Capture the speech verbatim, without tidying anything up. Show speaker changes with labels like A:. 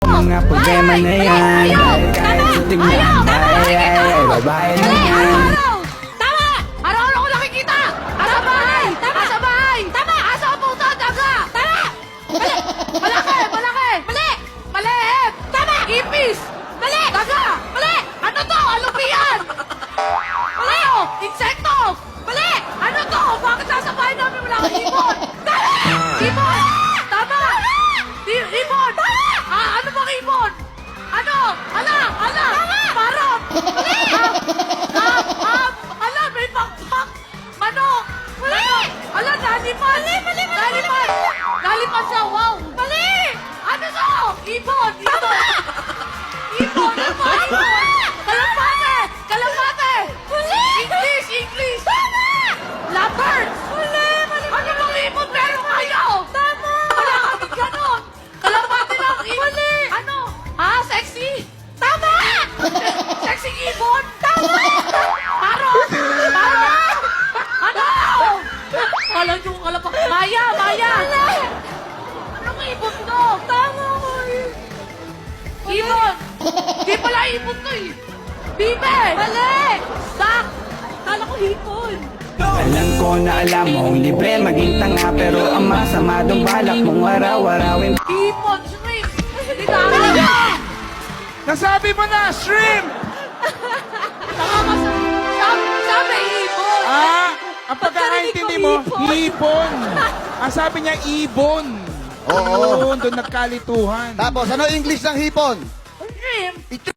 A: Mga problema na yan. Dahil kahit sa tingnan. Ay, ay, ay, babae na yan.
B: Araw-araw! Tama! Araw-araw ko nakikita! Asa bahay! Tama! Asa bahay! Tama! Asa ang puto? Daga! Tama! Mali! Malaki! Malaki! Mali! Mali! Tama! Ipis! Mali! Daga! Mali! Ano to? Alupian! Mali! Oh! Insekto! Mali! Ano to? Bakit nasa bahay namin wala kang ibon? Tama! Ibon! Tama! I- ibon! Ah, ano bang ibon? Ano? Ala! Ala! Parot! Mali! Ah, ah, ala, may pakpak! Manok! Mali! Ala, nalipan! Mali, mali, mali! Nalipan! Nalipan siya, wow! Mali! Ano to? Ibon! Ibon! Ibon! Ano ba? Ibon! Kalapate! Kalapate! Mali! English! English! Tama! Leopard! Mali! Mali! Ano bang ibon meron kayo? Tama! Wala kami ganon! Kalapate lang! Mali! Ano? Ah, sexy! Tama! Sexy ibon! Tama! Parot! Parot! Ano? Kala nyo kalapak. Maya! Maya! Anong ibon to? Tama ko eh. Ibon! Di pala ibon to eh. Bibe! Mali! Sak! Kala ko hipon.
A: Alam ko na alam mong libre maging tanga. Pero ang masama dong balak mong araw-arawin.
B: Hipon! Shrimp! Hindi na!
C: Nasabi mo na, shrimp!
B: Tama ka sa... Sabi, sabi ibon!
C: Ah, ang pagkakaintindi mo,
B: Pagkarinig ko,
C: hipon. Ang sabi niya, ibon.
D: Oo.
C: Doon, doon nagkalituhan.
D: Tapos, ano English ng hipon?
B: Shrimp!